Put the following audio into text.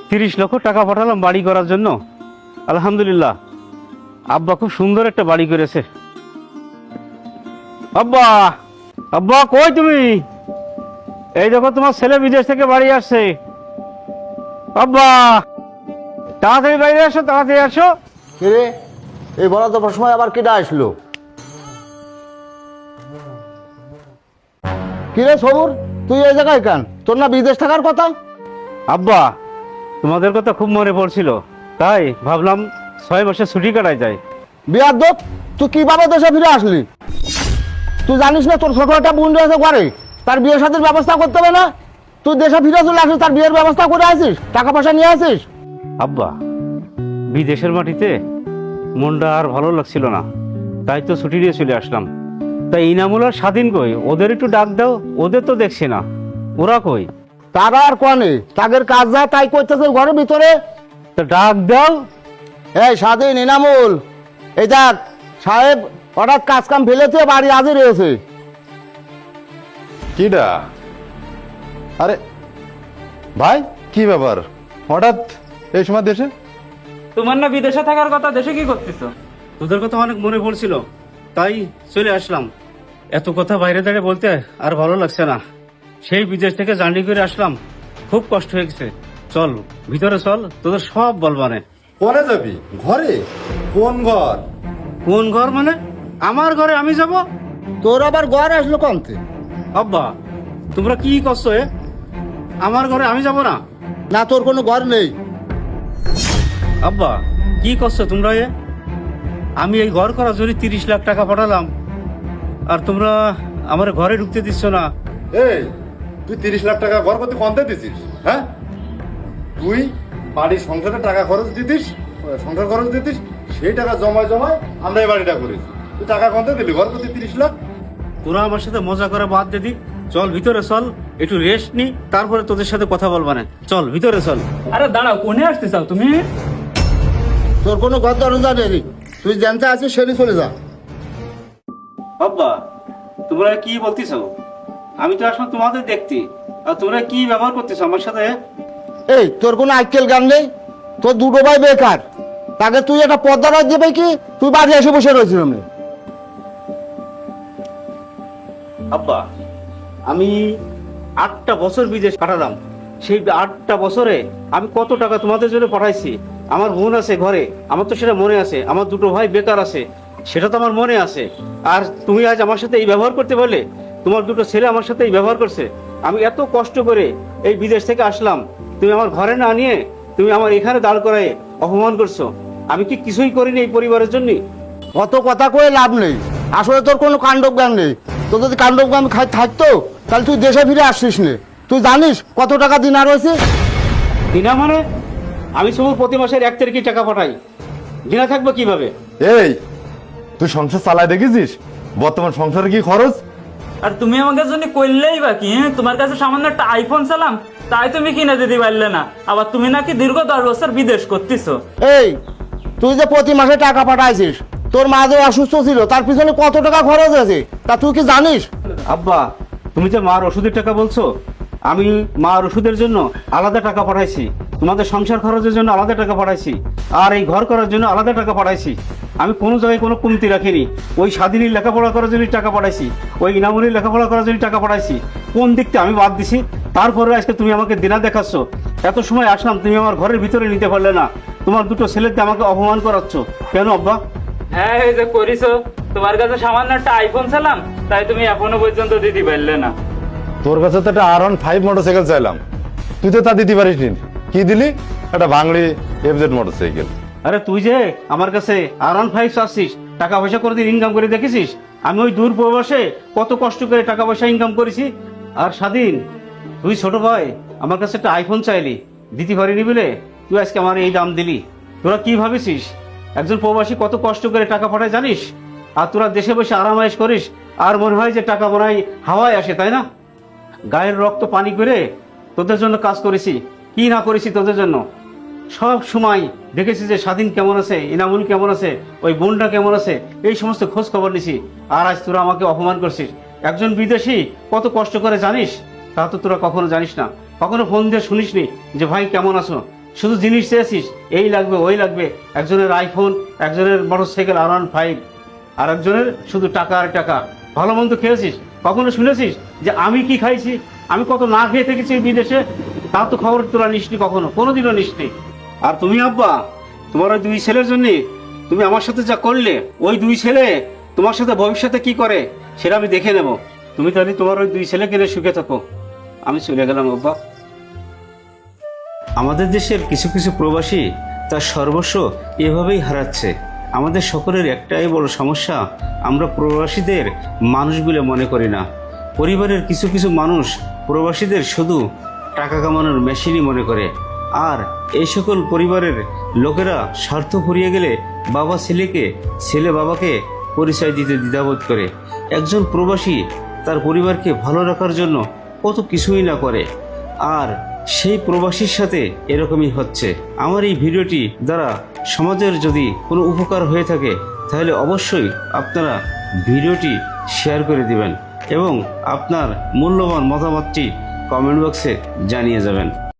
30 লক্ষ টাকা পাঠালাম বাড়ি করার জন্য। আলহামদুলিল্লাহ, আব্বা খুব সুন্দর একটা বাড়ি করেছে। আব্বা, আব্বা কই তুমি? এই দেখো তোমার ছেলে বিদেশ থেকে বাড়ি আসছে। আব্বা, তাড়াতাড়ি বাইরে আসো, তাড়াতাড়ি আসো। কিরে, এই বলা তো সময় আবার কেটে আসলো? কিরে সবুর, তুই এই জায়গায় কেন? তোর না বিদেশ থাকার কথা? আব্বা, তোমাদের কথা খুব মনে পড়ছিল, তাই ভাবলাম 6 মাসে ছুটি কাটাই যায়। বিয়ার দোপ, তুই কিভাবে দেশে ফিরে আসলি? তুই জানিস না তোর ছোট একটা বোন রয়েছে ঘরে, তার বিয়ের সাথে ব্যবস্থা করতে হবে না? তুই দেশে ফিরে চলে আসিস, তার বিয়ের ব্যবস্থা করে আসিস, টাকা পয়সা নিয়ে আসিস। আব্বা, বিদেশের মাটিতে মনটা আর ভালো লাগছিল না, তাই তো ছুটি নিয়ে চলে আসলাম। তাই ইনামুল আর স্বাধীন কই? ওদের একটু ডাক দাও, ওদের তো দেখছি না, ওরা কই? তারা আর কনে, তাদের কাজ যা তাই করতেছে ঘরের ভিতরে। তো ডাক দাও। এই স্বাধীন, ইনামুল, এই দেখ সাহেব হঠাৎ কাজ কাম ফেলেছে, বাড়ি আজই রয়েছে। কিডা? আরে ভাই, কি ব্যাপার হঠাৎ এই সময় দেশে? তোমার না বিদেশে থাকার কথা, দেশে কি করতেছো? তোদের কথা অনেক মনে পড়ছিল, তাই চলে আসলাম। এত কথা বাইরে দাঁড়িয়ে বলতে আর ভালো লাগছে না। সেই বিদেশ থেকে জার্নি করে আসলাম, খুব কষ্ট হয়ে গেছে। চল ভিতরে চল, তোদের সব বলবানে। কোনে যাবি? ঘরে? কোন ঘর? কোন ঘর মানে? আমার ঘরে আমি যাব? তোর আবার ঘর আসলো কমতে? আব্বা, তোমরা কি করছো? আমার ঘরে আমি যাব না? না, তোর কোনো ঘর নেই। আব্বা, কি করছো তোমরা? আমি এই ঘর করার জন্য 30 লাখ টাকা পাঠালাম, আর তোমরা আমার ঘরে ঢুকতে দিচ্ছ না। এই, তুই 30 লাখ টাকা ঘর করতে কমতে দিছিস? হ্যাঁ, তুই বাড়ির সংসারে টাকা খরচ দিতিস, সংসার খরচ দিতিস, সেই টাকা জমায় জমায় আমরা এই বাড়িটা করেছি। তুই টাকা কমতে দিলি ঘর করতে 30 লাখ? তোরা আমার সাথে মজা করে বাদ দিদি। চল ভিতরে চল, একটু রেস্ট নি, তারপরে তোদের সাথে কথা বলবা না। চল ভিতরে চল। আরে দাঁড়াও, কোনে আসতে চাও তুমি? তোর কোনো ঘর দরজা নেই, তুই জানতে আছিস সেটি চলে যা। আব্বা, তোমরা কি বলতেছ? আমি তো আসলে তোমাদের দেখতি, আর তোমরা কি ব্যবহার করতেছ আমার সাথে? এই, তোর কোনো আইকেল গান নেই? তোর দুটো ভাই বেকার, তাকে তুই একটা পর্দা রাখ দেবে কি? তুই বাড়ি এসে বসে রয়েছিস। আব্বা, আমি 8টা বছর বিদেশ কাটালাম। সেই 8টা বছরে আমি কত টাকা তোমাদের জন্য পাঠাইছি। আমার বোন আছে ঘরে, আমার তো সেটা মনে আছে। আমার দুটো ভাই বেকার আছে, সেটা তো আমার মনে আছে। আর তুমি আজ আমার সাথে এই ব্যবহার করতে পারলে? তোমার দুটো ছেলে আমার সাথে এই ব্যবহার করছে। আমি এত কষ্ট করে এই বিদেশ থেকে আসলাম, তুমি আমার ঘরে না নিয়ে তুমি আমার এখানে দাঁড় করায় অপমান করছো। আমি কি কিছুই করিনি এই পরিবারের জন্য? অত কথা কয়ে লাভ নেই, আসলে তোর কোনো কাণ্ডব জ্ঞান নেই। তোর যদি কাণ্ডব জ্ঞান থাকতো তাহলে তুই দেশে ফিরে আসছিস নে। তুই জানিস কত টাকা দিনা রয়েছে? দিনা মানে? আমি সবুর প্রতি মাসের 1 তারিখে টাকা পাঠাই, দিনা থাকবো কিভাবে? এই, তুই সংসার চালায় দেখেছিস বর্তমান সংসারে কি খরচ? আর তুমি আমাকে জন্য করলেই বাকি, তোমার কাছে সামান্য একটা আইফোন চালাম, তাই তুমি কিনে দিতে পারলে না। আবার তুমি নাকি দীর্ঘ 10 বছর বিদেশ করতেছো। এই, তুই যে প্রতি মাসে টাকা পাঠাইছিস, তোর মা যে অসুস্থ ছিল তার পিছনে কত টাকা খরচ হয়েছে তা তুই কি জানিস? আব্বা, তুমি যে মার ওষুধের টাকা বলছো, আমি মার ওষুধের জন্য আলাদা টাকা পাঠাইছি, তোমাদের সংসার খরচের জন্য আলাদা টাকা পাঠাইছি, আর এই ঘর করার জন্য আলাদা টাকা পাঠাইছি। আমি কোনো জায়গায় কোনো কমতি রাখিনি। ওই স্বাধীনের লেখাপড়া করার জন্য টাকা পাঠাইছি, ওই ইনামুলির লেখাপড়া করার জন্য টাকা পাঠাইছি। কোন দিকটা আমি বাদ দিছি? তারপরে আজকে তুমি আমাকে দিনা দেখাচ্ছ। এত সময় আসলাম, তুমি আমার ঘরের ভিতরে নিতে পারলে না। তোমার দুটো ছেলেতে আমাকে অপমান করাচ্ছ কেন আব্বা? হ্যাঁ, এই যে করিছো, তোমার কাছে সামান্য একটা আইফোন চালাম, তাই তুমি এখনো পর্যন্ত দিতে পারলে না। তোর কাছে তো একটা R15 মোটরসাইকেল চাইলাম, তুই তো তা দিতে পারিস নি। কি দিলি? একটা বাংলি FZ মোটরসাইকেল। আরে তুই যে আমার কাছে R15 চাচ্ছিস, টাকা পয়সা করে দিন ইনকাম করে দেখেছিস? আমি ওই দূর প্রবাসে কত কষ্ট করে টাকা পয়সা ইনকাম করেছি। আর স্বাধীন, তুই ছোট ভাই আমার কাছে একটা আইফোন চাইলি, দিতে পারিনি বলে তুই আজকে আমার এই দাম দিলি। তোরা কি ভাবেছিস একজন প্রবাসী কত কষ্ট করে টাকা পাঠায় জানিস? আর তোরা দেশে বসে আরামায়েশ করিস, আর মনে হয় যে টাকা মনে হয় হাওয়ায় আসে, তাই না? গায়ের রক্ত পানি করে তোদের জন্য কাজ করেছি, কি না করেছি তোদের জন্য। সব সময় দেখেছি যে স্বাধীন কেমন আছে, ইনামুল কেমন আছে, ওই বোনটা কেমন আছে, এই সমস্ত খোঁজ খবর নিছি। আর আজ তোরা আমাকে অপমান করছিস। একজন বিদেশি কত কষ্ট করে জানিস? তা তো তোরা কখনো জানিস না, কখনো ফোন দিয়ে শুনিসনি যে ভাই কেমন আছো। শুধু জিনিস চেয়েছিস, এই লাগবে ওই লাগবে, একজনের আইফোন, একজনের মোটরসাইকেল R15, আর একজনের শুধু টাকা আর টাকা। ভালো মন্দ খেয়েছিস, কখনো শুনেছিস যে আমি কি খাইছি, আমি কত না খেয়ে থেকেছি এই বিদেশে? তা তো খবর তোলা নিসনি, কখনো কোনোদিনও নিসনি। আর তুমি আব্বা, তোমার ওই 2 ছেলের জন্য তুমি আমার সাথে যা করলে, ওই 2 ছেলে তোমার সাথে ভবিষ্যতে কি করে সেটা আমি দেখে নেব। তুমি তাহলে তোমার ওই 2 ছেলেকে নিয়ে সুখে থাকো। আমি চলে গেলাম আব্বা। আমাদের দেশের কিছু কিছু প্রবাসী তার সর্বস্ব এভাবেই হারাচ্ছে। আমাদের সকলের একটাই বড় সমস্যা, আমরা প্রবাসীদের মানুষ বলে মনে করি না। পরিবারের কিছু কিছু মানুষ প্রবাসীদের শুধু টাকা কামানোর মেশিনই মনে করে। আর এই সকল পরিবারের লোকেরা স্বার্থ ফুরিয়ে গেলে বাবা ছেলেকে, ছেলে বাবাকে পরিচয় দিতে দ্বিধাবোধ করে। একজন প্রবাসী তার পরিবারকে ভালো রাখার জন্য কত কিছুই না করে, আর সেই প্রবাসীর সাথে এরকমই হচ্ছে। আমার এই ভিডিওটি দ্বারা সমাজের যদি কোনো উপকার হয়ে থাকে তাহলে অবশ্যই আপনারা ভিডিওটি শেয়ার করে দিবেন এবং আপনার মূল্যবান মতামতটি কমেন্ট বক্সে জানিয়ে যাবেন।